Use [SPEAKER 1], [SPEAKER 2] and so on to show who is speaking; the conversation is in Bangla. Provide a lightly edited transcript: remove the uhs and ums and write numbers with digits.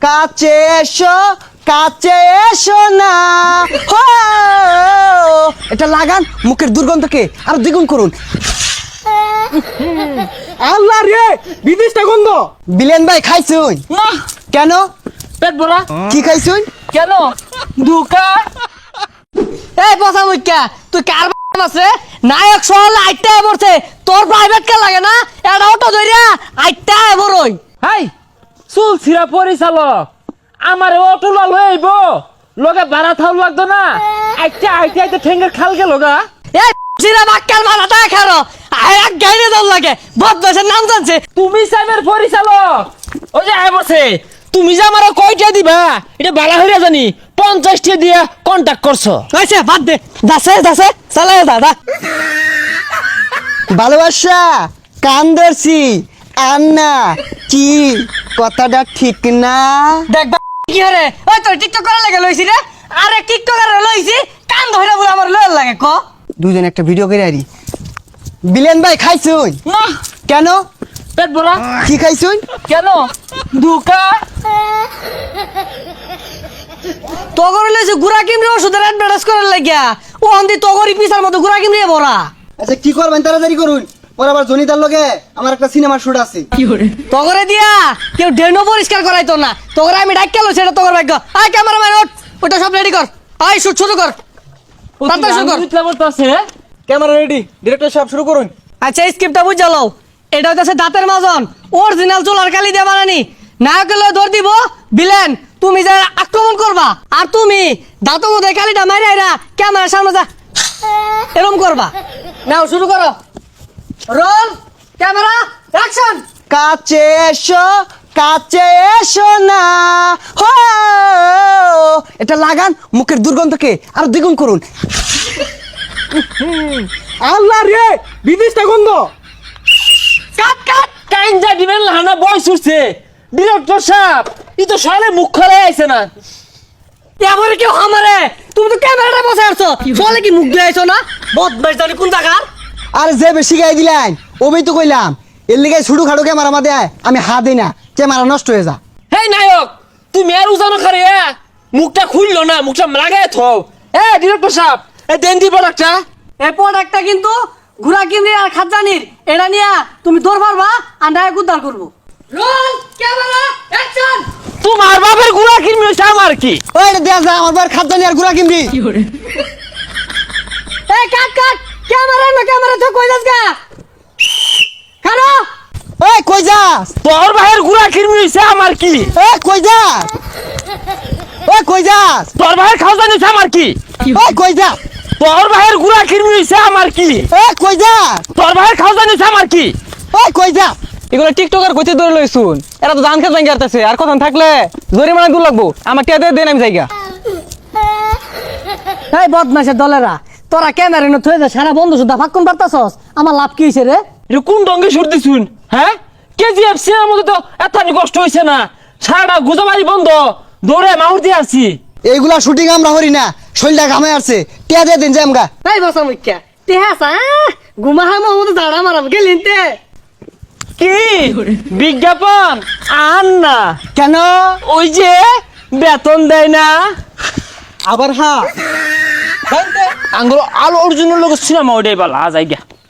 [SPEAKER 1] কাছে এসো কাছে এসো না হো এটা লাগান মুখের দুর্গন্ধকে আর দ্বিগুণ করুন।
[SPEAKER 2] আল্লাহ রে বিদেশটা গন্ধ।
[SPEAKER 1] বিলেন ভাই খাইছুন?
[SPEAKER 2] না
[SPEAKER 1] কেন?
[SPEAKER 2] পেট ভরা।
[SPEAKER 1] কি খাইছুন?
[SPEAKER 2] কেন? ধোকা।
[SPEAKER 3] এই পচা মুখ্যা তুই কার আছে নায়ক সহলে আইটা পড়ছে তোর প্রাইভেট কার লাগে না এটা অটো ধরিয়া আইটা বড়ই।
[SPEAKER 2] হাই চুল ছিড়া পরিচালক আমার অটো লাল হয়ে আইব লগে ভাড়া থাও লাগতো না আইতে আইতে আইতে ঠেঙ্গের খাল গেল গা।
[SPEAKER 3] এই সিরা বাক্কার মাথাটা খারো এক গাইরে দল লাগে বদমাশের নাম জানছে।
[SPEAKER 2] তুমি সাইবের পরিচালক ওই যে আয় বসে তুমি যে আমার কয়টা দিবা এটা বালা হইরা জানি 50টা দিয়ে কন্টাক্ট করছো।
[SPEAKER 3] আচ্ছা বাদ দে দাসে দাসে চালাই দাদা
[SPEAKER 1] ভালোবাসা কান ধরছি আর না কি কথাটা ঠিক না?
[SPEAKER 3] দেখ কি হরে ওই তোর টিকটক করার লাগে লইছি রে আরে টিকটক করে লইছি কান ধইরা বলে আমার লয় লাগে ক
[SPEAKER 1] দুজন একটা ভিডিও করে আরি। বিলেন ভাই খাইছুন?
[SPEAKER 2] না
[SPEAKER 1] কেন?
[SPEAKER 2] পেট ভরা।
[SPEAKER 1] কি খাইছুন?
[SPEAKER 2] কেন? ধোকা।
[SPEAKER 3] তগর লইছে গুড়া কিমরে ওষুধের অ্যাডভার্টাইজ করার লাগিয়া ও অন্দি তগরি পিসার মতো গুড়া কিমরে ভরা।
[SPEAKER 1] আচ্ছা কি করবেন তাড়াতাড়ি করুন, ওর আবার জনিতার লগে আমার একটা সিনেমার শুট আছে।
[SPEAKER 3] তগরে দিয়া কেউ ড্রেনও পরিষ্কার করাইতো না তগরে আমি ডাক গেল সেটা তগর ভাগ্য। আয় ক্যামেরাম্যান ওঠ ওটা সব রেডি কর আয় শুট শুরু কর তাড়াতাড়ি শুরু কর।
[SPEAKER 2] ক্যামেরা রেডি ডিরেক্টর সাহেব শুরু করুন।
[SPEAKER 3] আচ্ছা এই স্ক্রিপ্টটা বুঝ জ্বালাও এটা হচ্ছে দাঁতের মাজন অরিজিনাল চুলার কালি দিয়ে বানানি নায়কের লয়ে দৌড় দিব বিলেন তুমি যা আক্রমণ করবা আর তুমি দাঁতের মধ্যে কালিটা মারি আইরা ক্যামেরার সামনে যা এরকম করবা। নাও শুরু করো রোল ক্যামেরা অ্যাকশন।
[SPEAKER 1] কাছে এসো কাছে এসো না হো এটা লাগান মুখের দুর্গন্ধকে আর দ্বিগুণ করুন।
[SPEAKER 2] আল্লাহ রে বিদেশটা গন্ধ। কাট কাট কাইঞ্জা দিবেন লানা বয়স উঠছে ডিরেক্টর সাহেব ই তো সালে মুখ খোলা আইছে না।
[SPEAKER 3] এবারে কেউ আমারে তুমি তো ক্যামেরাটা বসে আসছো বলে কি মুখ দিয়ে আইছো না বদমাইশ জানি কোন জায়গার।
[SPEAKER 1] আর যে বেশি গাই দিলেন ওই তো কইলাম এর লিগে ছুটু খাড়ু ক্যামেরা মাদে আমি হাত দিই না ক্যামেরা নষ্ট হয়ে যা।
[SPEAKER 2] হেই নায়ক তুমি আর উজানো খারে মুখটা খুললো না মুখটা লাগায় থও। এ ডিরেক্টর সাহেব এ দেন দি প্রোডাক্টটা।
[SPEAKER 3] এই প্রোডাক্টটা কিন্তু ঘুরা কিমরি আর খাজানির এটা নিয়া তুমি দৌড় পারবা আর নায়ক উদ্ধার করবো। Roll camera action.
[SPEAKER 2] তোমার বাপের গুড়া কিনবি হইছে আমার কি?
[SPEAKER 1] ওই দেয়া যা আমার বার খাদ্য নিয়ে আর গুড়া কিনবি।
[SPEAKER 3] এই কাট কাট ক্যামেরা তো কই যাস গা খানো
[SPEAKER 1] ওই কই যাস?
[SPEAKER 2] তোর ভাইয়ের গুড়া কিনবি হইছে আমার কি?
[SPEAKER 1] ওই কই যাস? ওই কই যাস?
[SPEAKER 2] তোর ভাইয়ের খাওয়া নিছে আমার কি?
[SPEAKER 1] ওই কই যাস?
[SPEAKER 2] তোর ভাইয়ের গুড়া কিনবি হইছে আমার কি?
[SPEAKER 1] ওই কই যাস?
[SPEAKER 2] তোর ভাইয়ের খাওয়া নিছে আমার কি?
[SPEAKER 1] ওই কই যাস?
[SPEAKER 4] এগুলো টিকটকার কইতে ধরে লইছুন এরা তো ধান খেত ভাঙ্গি আসতেছে আর কথা থাকলে জরিমানা দূর লাগবো আমার টিয়া দেন আমি জায়গা।
[SPEAKER 3] এই বদমাশের দলেরা তোরা ক্যামেরা নো থয়ে যা সারা বন্ধু সুদ্ধা ফাক্কুন পারতাছস আমার লাভ কি হইছে রে?
[SPEAKER 2] এটা কোন ডঙ্গে সরতে শুন হ্যাঁ কেজিএফ সিনেমার মধ্যে তো এত কষ্ট হইছে না সারাটা গুজাবাড়ি বন্ধ দৌড়ে মাউর দিয়ে আসছি।
[SPEAKER 1] এইগুলা শুটিং আমরা হরি না শরীরটা ঘামে আসছে টিয়া দিয়ে দিন যে আমগা।
[SPEAKER 3] এই বসা মুখ্যা তে হাসা ঘুমা হামা মতো দাঁড়া মারাম গেলেন তে
[SPEAKER 2] কি বিজ্ঞাপন আন না
[SPEAKER 1] কেন?
[SPEAKER 2] ওই যে বেতন দেয় না
[SPEAKER 1] আবার হ্যাঁ
[SPEAKER 2] আঙ্গুল আলো অর্জুনের লোক সিনেমা ওইটাই বলা যাই গা।